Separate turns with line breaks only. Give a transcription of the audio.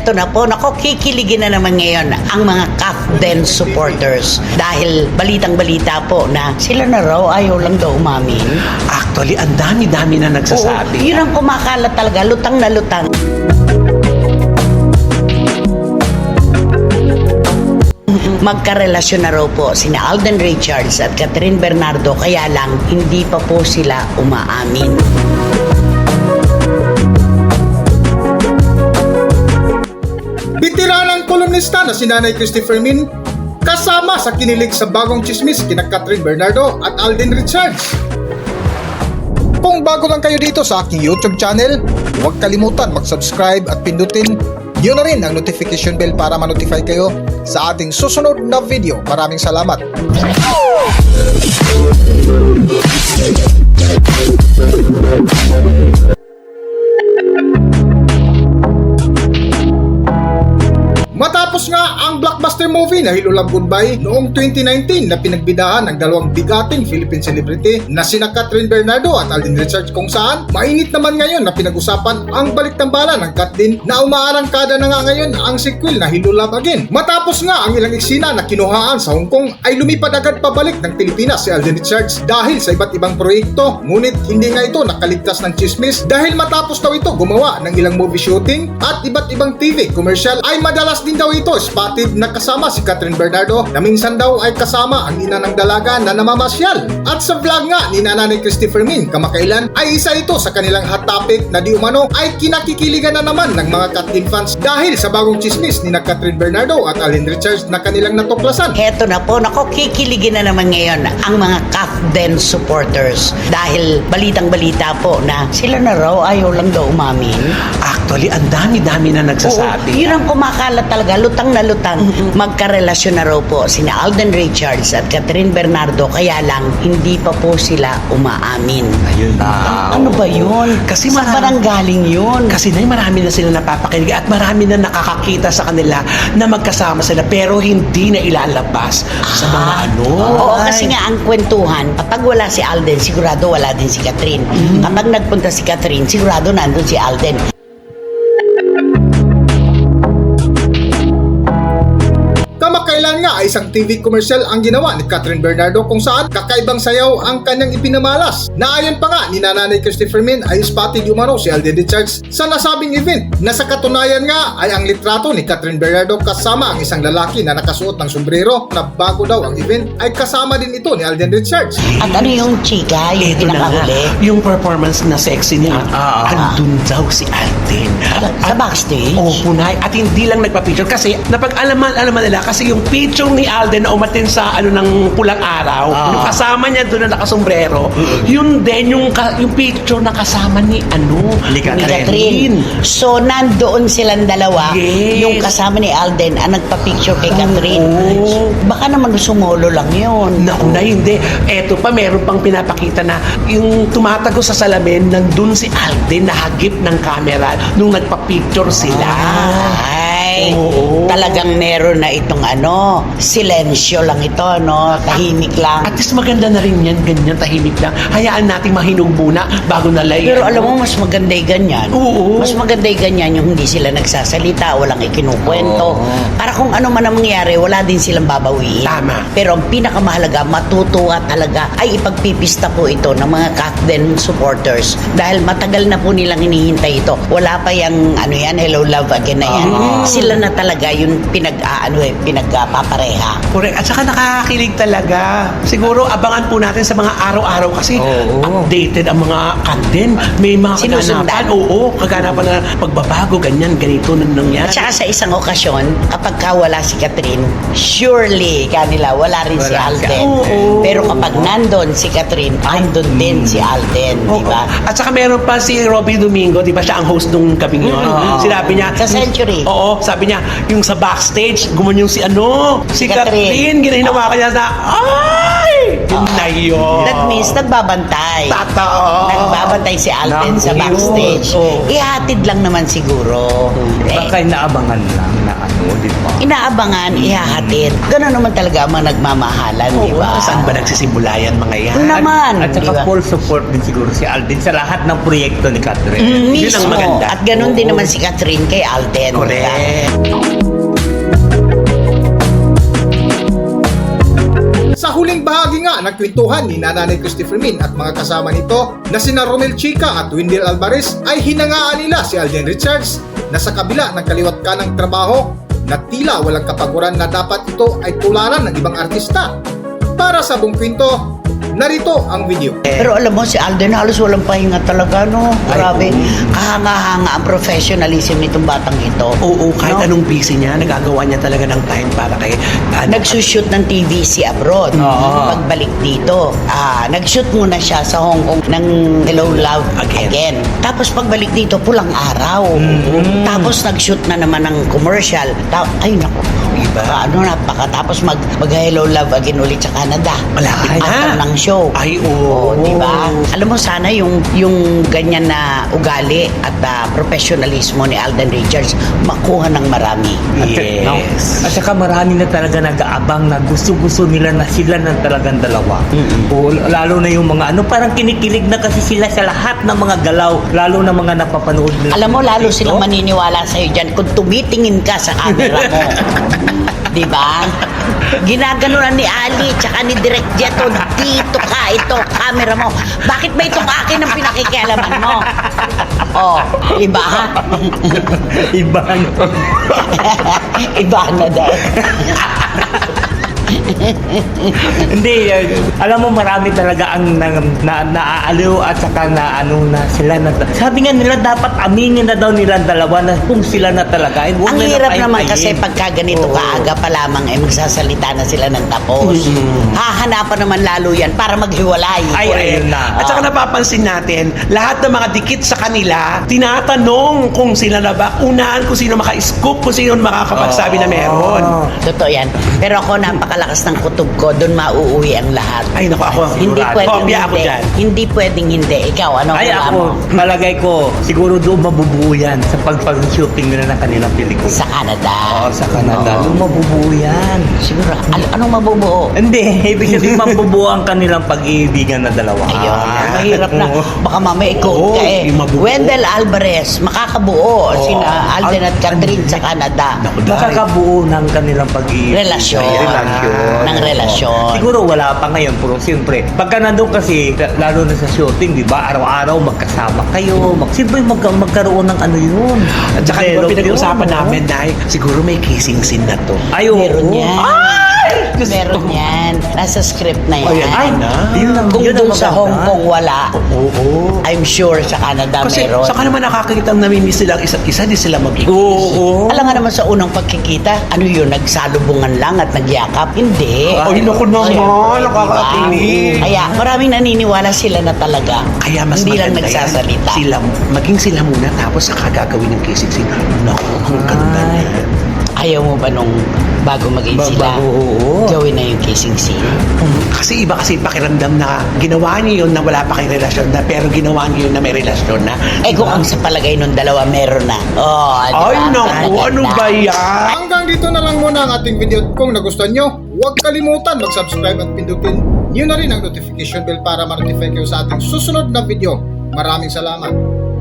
Heto na po, nako, kikiligin na naman ngayon ang mga Capden supporters dahil balitang-balita po na sila na raw ayaw lang daw umamin.
Actually, ang dami-dami na nagsasabi.
Oo, yun ang kumakalat talaga, lutang na lutang. Magkarelasyon na raw po sina Alden Richards at Catherine Bernardo, kaya lang hindi pa po sila umaamin.
Bitiranang kolumnista na si Nanay Christopher Min kasama sa kinilig sa bagong chismis kina Catherine Bernardo at Alden Richards. Kung bago lang kayo dito sa aking YouTube channel, huwag kalimutan mag-subscribe at pindutin yun na rin ang notification bell para ma-notify kayo sa ating susunod na video. Maraming salamat. Matapos nga ang blockbuster movie na Hello Love Goodbye noong 2019 na pinagbidahan ng dalawang bigating Philippine celebrity na sina Catherine Bernardo at Alden Richards, kung saan mainit naman ngayon na pinag-usapan ang baliktambala ng Catherine na umaarangkada na nga ngayon ang sequel na Hello Love Again. Matapos nga ang ilang eksena na kinuhaan sa Hong Kong ay lumipad agad pabalik ng Pilipinas si Alden Richards dahil sa iba't ibang proyekto, ngunit hindi nga ito nakaligtas ng chismis dahil matapos daw ito gumawa ng ilang movie shooting at iba't ibang TV commercial ay madalas din daw ito spotted na kasama si Catherine Bernardo na minsan daw ay kasama ang ina ng dalaga na namamasyal. At sa vlog nga ni Nanay Christopher Min kamakailan ay isa ito sa kanilang hot topic na di umano ay kinakikiligan na naman ng mga Catherine fans dahil sa bagong chismis ni Catherine Bernardo at Alden Richards na kanilang natuklasan.
Heto na po, nako, kikiligin na naman ngayon ang mga Capden supporters dahil balitang-balita po na sila na raw ayaw lang daw umamin.
Actually, ang dami-dami na nagsasabi.
Oo, yun ang kumakalat talaga, lutang na lutang. Magkarelasyon na raw po sina Alden Richards at Catherine Bernardo, kaya lang hindi pa po sila umaamin.
Ayun na.
Ano ba yun?
Kasi
saan ba nang galing yun?
Kasi marami na sila napapakinig at marami na nakakakita sa kanila na magkasama sila pero hindi na ilalabas sa mga ano.
Oo, kasi nga ang kwentuhan, kapag wala si Alden, sigurado wala din si Catherine. Kapag nagpunta si Catherine, sigurado nandun si Alden.
Kamakailan nga ay isang TV commercial ang ginawa ni Catherine Bernardo kung saan kakaibang sayaw ang kanyang ipinamalas. Na ayon pa nga ni Nanay Christopher Min ay spotted umano si Alden Richards sa nasabing event na sa katunayan nga ay ang litrato ni Catherine Bernardo kasama ang isang lalaki na nakasuot ng sombrero na bago daw ang event ay kasama din ito ni Alden Richards.
At ano yung chika, yung
Ito na nga,
pinakahuli?
yung performance na sexy niya, andun daw si Alden.
Sa backstage?
Oo, punay. At hindi lang nagpa-picture kasi napag-alaman nila kasi yung picture ni Alden na umatin sa ano ng pulang araw, yung kasama niya doon na nakasombrero, yun din yung picture na kasama ni
Ni Catherine. So, nandoon silang dalawa,
Yes.
yung kasama ni Alden ang nagpa-picture kay Catherine. Baka naman sumolo lang yun.
Nauna, hindi. Eto pa, meron pang pinapakita na yung tumatago sa salamin, nandun si Alden nahagip ng camera nung nagpa-picture sila.
Ay,
Oo.
talagang meron na itong silensyo lang ito, no? Tahimik lang.
At least maganda na rin yan, ganyan, tahimik lang. Hayaan nating mahinog muna bago nalay.
Pero alam mo, mas maganda yung ganyan.
Oo.
Mas maganda yung ganyan yung hindi sila nagsasalita, walang ikinukwento. Para kung ano man ang mangyari, wala din silang babawiin.
Tama.
Pero ang pinakamahalaga, matutuwa talaga ay ipagpipista po ito ng mga Capden supporters. Dahil matagal na po nilang hinihintay ito. Wala pa yung Hello Love Again na yan. Sila na talaga yung pinagpapareha.
Correct. At saka nakakakilig talaga. Siguro abangan po natin sa mga araw-araw kasi updated ang mga Capden. May mga
Sinusundan.
kaganapan. Oo, kaganapan na pagbabago, ganyan, ganito nang nangyari.
At saka sa isang okasyon, kapag wala si Catherine, surely kanila wala rin si Alden.
Oo.
Pero kapag nandun si Catherine, andun din si Alden, di ba?
At saka meron pa si Robby Domingo, di ba siya ang host nung gabing yun? Sinabi niya,
Sa Century.
Oo, sabi niya, yung sa backstage, gumanyan si
Si
Catherine,
Catherine.
ginahinawa ka niya na, ay! Yun na yun.
That means nagbabantay.
Totoo.
Nagbabantay si Alden sa
Naku,
backstage.
oo.
Ihatid lang naman siguro.
Baka inaabangan lang na ano, di ba?
Inaabangan, ihahatid. Gano'n naman talaga ang mga nagmamahalan, di ba?
Saan ba nagsisimula yan mga yan?
Naman,
At
di
saka
ba?
full support din siguro si Alden sa lahat ng proyekto ni Catherine.
Mm,
Yun ang
mismo.
maganda.
At gano'n din
Oo.
naman si Catherine kay Alden. di ba?
Correct.
Sa huling bahagi nga ng kwentuhan ni Nanay Christopher Min at mga kasama nito na sina Romel Chica at Wendell Alvarez ay hinangaan nila si Alden Richards na sa kabila ng kaliwat kanang trabaho na tila walang kapaguran na dapat ito ay tularan ng ibang artista. Para sa buong kwento, narito ang video.
Pero alam mo, si Alden halos walang pahinga talaga, no? Grabe. Kahanga-hanga ang professionalism nitong batang ito.
Oo, kahit
No?
anong busy niya, nagagawa niya talaga ng time para kay...
Nagsushoot ng TVC abroad.
Oo.
Pagbalik dito, nag-shoot muna siya sa Hong Kong ng Hello Love Again. Tapos pagbalik dito, pulang araw. Tapos nag-shoot na naman ng commercial. Ay, naku.
Iba.
Tapos mag-Hello Love Again ulit sa Canada.
Malapit na.
After ng show.
Ay, oo.
Di ba? Alam mo, sana yung ganyan na ugali at professionalismo ni Alden Richards makuha ng marami.
Yes.
At saka marami na talaga nag-aabang na gusto-gusto nila na sila na talagang dalawa. O, lalo na yung mga parang kinikilig na kasi sila sa lahat ng mga galaw, lalo na mga napapanood nila.
Alam mo, lalo silang maniniwala sa'yo dyan kung tumitingin ka sa camera mo. Di ba? Ginaganunan ni Ali tsaka ni Direk Jeto, dito ka, ito, camera mo. Bakit ba itong akin ang pinakikialaman mo? Oh, iba ha?
Iba
Iba na dahil.
Hindi, alam mo marami talaga ang naaaliw at saka na sila na. Sabi nga nila dapat aminin na daw nilang dalawa na kung sila na talaga.
Ang hirap naman kasi pagka ganito kaaga pa lamang ay magsasalita na sila ng tapos. Hahanapan naman lalo yan para maghiwalay.
Ay, ayun na.
At saka napapansin natin, lahat ng mga dikit sa kanila, tinatanong kung sila na ba, unahan kung sino maka-scoop, kung sino makakapagsabi na meron.
Totoo yan. Pero ako napakalakas ng kutob ko, doon mauuwi ang lahat.
Ay, naku, ako.
Hindi pwedeng
Kopya ako
hindi.
dyan.
Hindi pwedeng hindi. Ikaw, ano
Ay
wala
ako,
mo?
malagay ko, siguro doon mabubuo yan sa pag-shooting nila ng kanilang pelikula.
Sa Canada.
Oo, sa Canada. Doon mabubuo yan.
Siguro. Anong mabubuo?
Hindi, ibig sabihin mabubuo ang kanilang pag-iibigan na dalawa.
Ayun. Mahirap na. Baka mamaya ikaw
Oo,
ka eh.
yung mabubuo.
Wendell Alvarez, makakabuo. Sina Alden at Catherine sa Canada.
Naku, dahil.
Makakabuo ng kanilang pag-iibigan.
Relasyon.
Relasyon.
Ng relasyon.
Siguro wala pa ngayon, pero siyempre, pagka nandun kasi, lalo na sa shooting, di ba, araw-araw magkasama kayo, siyempre magkaroon ng ano yun.
At saka di ba
Develop
pinag-usapan
yun,
namin na siguro may kissing scene na to.
Ay, oo.
Meron yan. Meron yan. Nasa script na yan.
Ayan, ay na.
Kung
yun ang
doon sa
maganda.
Hong Kong wala,
Oo.
I'm sure sa Canada
Kasi
meron.
saka naman nakakita namimiss silang isa't isa, di sila mag-kiss.
Oo.
Alam nga naman sa unang pagkikita, ano yun, nagsalubungan lang at nagyakap? Hindi.
Ay, naku naman,
Siyempre,
nakakakilig.
diba? Kaya maraming naniniwala sila na talaga.
Kaya mas
hindi lang
maganda
nagsasalita.
yan. Maging sila muna tapos saka gagawin ng kissing scene. Naku, ang ganda na.
Ayaw mo ba nung bago maging sila,
oo.
gawin na yung kissing scene?
Kasi iba kasi pakiramdam na ginawa niyo yun na wala pa kayong relasyon na pero ginawa niyo yun na may relasyon na.
Eh kung ang sa palagay nung dalawa meron na. Oh, diba?
Ay, naku,
Maganda.
ano ba yan?
Hanggang dito na lang muna ang ating video. Kung nagustuhan nyo, huwag kalimutan mag-subscribe at pindutin nyo na rin ang notification bell para ma-notify kayo sa ating susunod na video. Maraming salamat.